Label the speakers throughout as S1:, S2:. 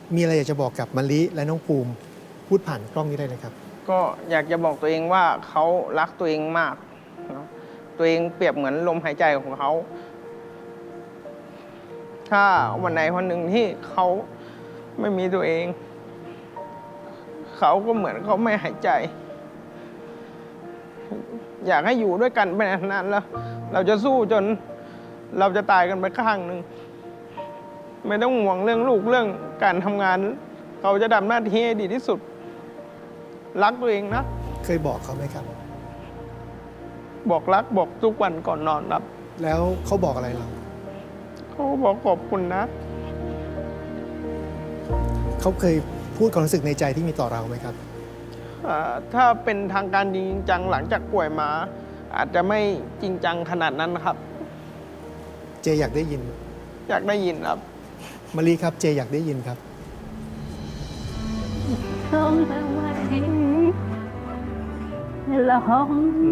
S1: มีอะไรอยากจะบอกกับมะลิและน้องภูมิพูดผ่านกล้องนี้ได้เลยครับ
S2: ก็อยากจะบอกตัวเองว่าเขารักตัวเองมากนะตัวเองเปรียบเหมือนลมหายใจของเขา ถ้าวันไหนวันหนึ่งที่เขาไม่มีตัวเอง เขาก็เหมือนเขาไม่หายใจ อยากให้อยู่ด้วยกันไปนานๆแล้ว เราจะสู้จนเราจะตายกันไปข้างหนึ่ง ไม่ต้องห่วงเรื่องลูกเรื่องการทำงาน เขาจะทำหน้าที่ให้ดีที่สุด รักตัวเองนะ
S1: เคยบอกเขาไหมครับ
S2: บอกรักบอกทุกวันก่อนนอนครับ
S1: แล้วเขาบอกอะไรเรา
S2: เขาบอกขอบคุณนะ
S1: เขาเคยพูดความรู้สึกในใจที่มีต่อเราไหมครับ
S2: ถ้าเป็นทางการจริงจังหลังจากป่วยมา อาจจะไม่จริงจังขนาดนั้นครับ
S1: เจอยากได้ยิน
S2: อยากได้ยินครับ
S1: มะลิครับ เจอยากได้ยินครับ
S3: ร้องทำไมร้อง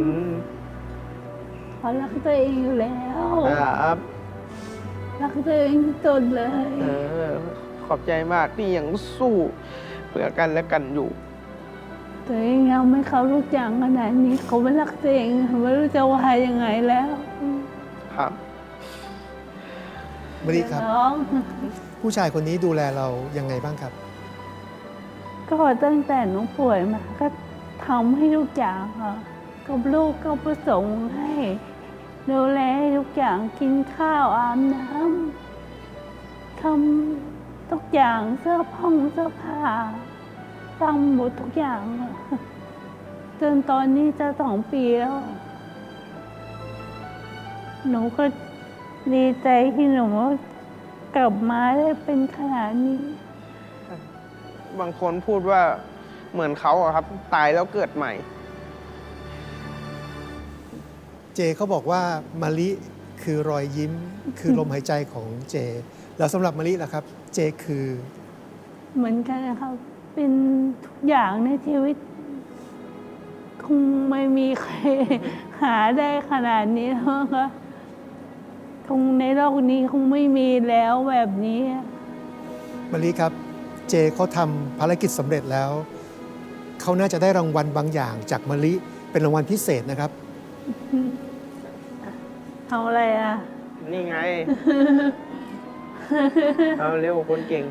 S3: เขารักตัวเองอยู่แล้ว
S2: ครับ
S3: รักตัวเองที่สุดเลย
S2: ขอบใจมากที่ยังสู้เพื่อกันและกันอยู่
S3: ตัวเองยังไม่เขารู้จักขนาดนี้เขาไม่รักตัวเองไม่รู้จะว่ายังไงแล้ว
S2: ครับ
S1: มะลิครับ
S3: ร้อง
S1: ผู้ชายคนนี้ดูแลเรายังไงบ้างครับ
S3: ก็ตั้งแต่น้องป่วยมาก็ทำให้ทุกอย่างค่ะกับลูกก็ประสงค์ให้ดูแลให้ทุกอย่างกินข้าวอาบน้ำทำทุกอย่างเสื้อผ้าทำหมดทุกอย่างค่ะจนตอนนี้จะ2 ปีแล้ว หนูก็ดีใจที่หนูกลับมาได้เป็นขนาดนี้
S2: บางคนพูดว่าเหมือนเขาอะครับ ตายแล้วเกิดใหม่
S1: เจเขาบอกว่ามะลิคือรอยยิ้ม คือลมหายใจของเจ แล้วสำหรับมะลิล่ะครับ เจคือ
S3: เหมือนกันนะครับเป็นทุกอย่างในชีวิต คงไม่มีใคร หาได้ขนาดนี้แล้วค่ะคงในโลกนี้คงไม่มีแล้วแบบนี้
S1: มะลิครับ เจเขาทำภารกิจสำเร็จแล้ว เขาน่าจะได้รางวัลบางอย่างจากมะลิเป็นรางวัลพิเศษนะครับ
S3: ทำอะไรอ่ะ
S2: นี่ไง เอาเร็วคนเก่ง